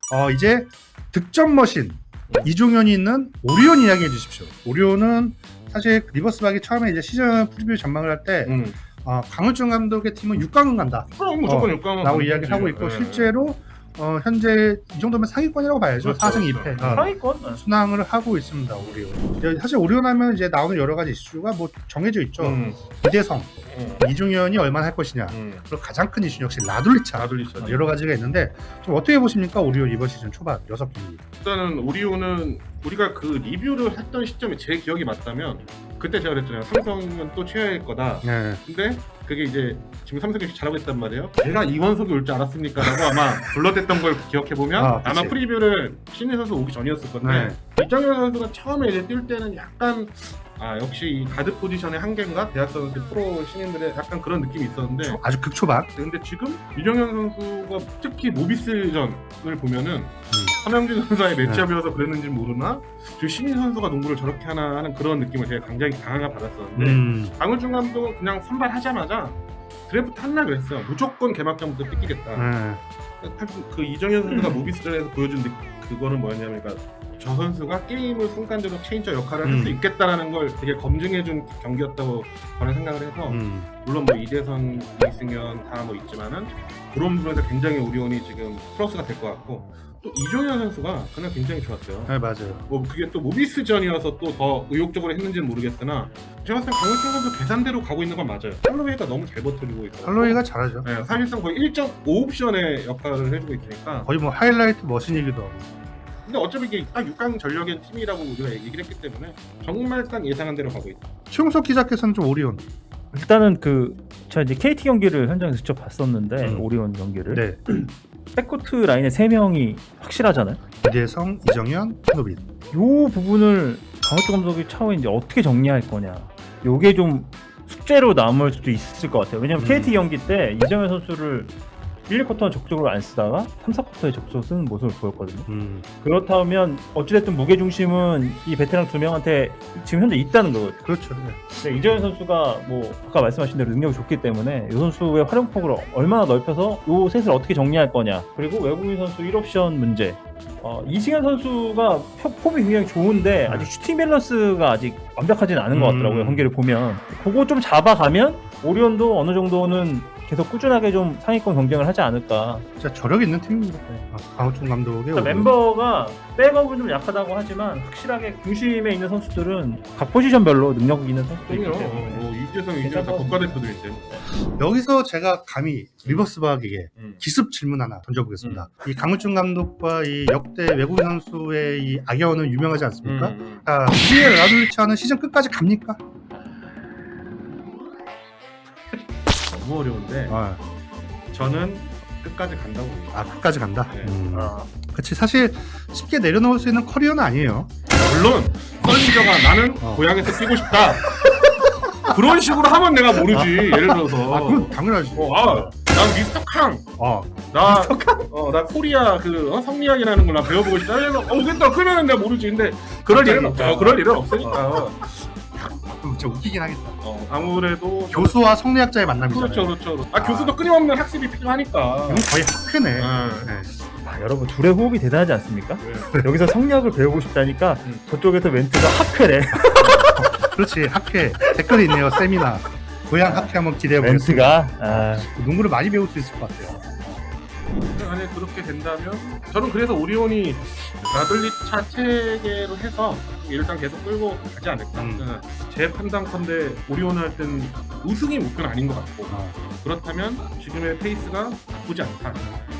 이제 득점 머신 이종현이 있는 오리온 이야기해 주십시오. 오리온은 사실 리버스박이 처음에 이제 시즌 프리뷰 전망을 할 때 강을준 감독의 팀은 6강은 간다. 그럼 무조건 6강은 라고 이야기를 하고 있고 실제로 현재 이 정도면 상위권이라고 봐야죠. 그렇죠, 4승 그렇죠. 2패 상위권? 순항을 하고 있습니다. 오리온. 사실 오리온 하면 이제 나오는 여러 가지 이슈가 뭐 정해져 있죠. 이대성, 이종현이 얼마나 할 것이냐. 그리고 가장 큰 이슈는 역시 라둘리차. 라둘리차. 여러 가지가 있는데 좀 어떻게 보십니까? 오리온 이번 시즌 초반 6경기. 일단은 오리온은 우리가 그 리뷰를 했던 시점이 제 기억이 맞다면 그때 제가 그랬잖아요. 삼성은 또 최하일 거다. 네. 근데 그게 이제 지금 삼성이 잘하고 있단 말이에요. 제가 이원석이 올 줄 알았습니까? 라고 아마 불러댔던 걸 기억해보면 아마 프리뷰를 신인 선수 오기 전이었을 건데 이정현 선수가 처음에 이제 뛸 때는 약간 역시 이 가드 포지션의 한계인가? 대학생 프로 신인들의 약간 그런 느낌이 있었는데 아주 극초반. 근데 지금 이정현 선수가 특히 모비스전을 보면은 서명진 선수와의 매치업이어서 그랬는지 모르나 저 신인 선수가 농구를 저렇게 하나 하는 그런 느낌을 제가 굉장히 강하게 받았었는데 강을준 감독은 그냥 선발하자마자 드래프트 할라 그랬어요. 무조건 개막전부터 뺏기겠다. 그 이정현 선수가 모비스전에서 보여준 그거는 뭐였냐면 저 선수가 게임을 순간적으로 체인저 역할을 할 수 있겠다라는 걸 되게 검증해준 경기였다고 저는 생각을 해서 물론 뭐 이대성, 이승현 다 뭐 있지만은 그런 부분에서 굉장히 오리온이 지금 플러스가 될 것 같고 또 이종현 선수가 그날 굉장히 좋았어요. 네, 맞아요. 뭐 그게 또 모비스전이어서 또 더 의욕적으로 했는지는 모르겠으나 제가 봤을 때 강을준 선수 계산대로 가고 있는 건 맞아요. 할로웨이가 너무 잘 버텨주고 있고 할로웨이가 잘하죠. 네, 사실상 거의 1.5옵션의 역할을 해주고 있으니까 거의 뭐 하이라이트 머신이기도 하고. 근데 어차피 이게 딱 6강 전력의 팀이라고 우리가 얘기를 했기 때문에 정말 딱 예상한 대로 가고 있다. 최용석 기자께서는 좀 오리온. 일단은 제가 이제 KT 경기를 현장에서 직접 봤었는데 오리온 경기를 네. 백코트 라인에 3명이 확실하잖아요. 이대성, 이정현, 한노빈. 요 부분을 강을준 감독이 차후에 이제 어떻게 정리할 거냐. 요게 좀 숙제로 남을 수도 있을 것 같아요. 왜냐면 KT 경기 때 이정현 선수를 1, 2쿼터는 적극적으로 안 쓰다가 3, 4쿼터에 적극적으로 쓰는 모습을 보였거든요. 그렇다면 어찌됐든 무게중심은 이 베테랑 2명한테 지금 현재 있다는 거거든요. 그렇죠. 네, 이정현 선수가 뭐 아까 말씀하신 대로 능력이 좋기 때문에 이 선수의 활용폭을 얼마나 넓혀서 이 셋을 어떻게 정리할 거냐. 그리고 외국인 선수 1옵션 문제. 이승현 선수가 폼이 굉장히 좋은데 아직 슈팅 밸런스가 아직 완벽하진 않은 것 같더라고요. 경기를 보면. 그거 좀 잡아가면 오리온도 어느 정도는 계속 꾸준하게 좀 상위권 경쟁을 하지 않을까. 진짜 저력 있는 팀입니다. 강호준 감독의 멤버가 백업은 좀 약하다고 하지만 확실하게 중심에 있는 선수들은 각 포지션별로 능력 있는 선수들이 있기 때문에 이재성, 이재성 다 국가대표들인데 여기서 제가 감히 리버스박에게 기습 질문 하나 던져보겠습니다. 이 강호준 감독과 이 역대 외국인 선수의 이 악연은 유명하지 않습니까? 자, 우리의 라둘리차는 시즌 끝까지 갑니까? 너무 어려운데 저는 끝까지 간다고 봅니다. 끝까지 간다? 네. 그치, 사실 쉽게 내려놓을 수 있는 커리어는 아니에요. 물론 썰린저가 나는 고향에서 뛰고 싶다 그런 식으로 하면 내가 모르지. 예를 들어서 그건 당연하지. 난 미스터 캉 나 코리아 성리학이라는 걸 나 배워보고 싶다. 그랬다 그러면은 내가 모르지. 근데 그럴 일은 없죠. 그럴 일은 없으니까. 진짜 웃기긴 하겠다. 아무래도 교수와 성리학자의 만남이잖아요. 그렇죠. 교수도 끊임없는 학습이 필요하니까. 이건 거의 학회네. 네. 여러분 둘의 호흡이 대단하지 않습니까? 여기서 성리학을 배우고 싶다니까 저쪽에서 멘트가 학회래. 그렇지, 학회. 댓글이 있네요. 세미나. 고향 학회 한번 기대해보겠습니다. 멘트가 농구를 많이 배울 수 있을 것 같아요. 만약 그렇게 된다면 저는 그래서 오리온이 라둘리차 체계로 해서 일단 계속 끌고 가지 않을까. 제 판단컨대 오리온 할 땐 우승이 목표는 아닌 것 같고 그렇다면 지금의 페이스가 나쁘지 않다.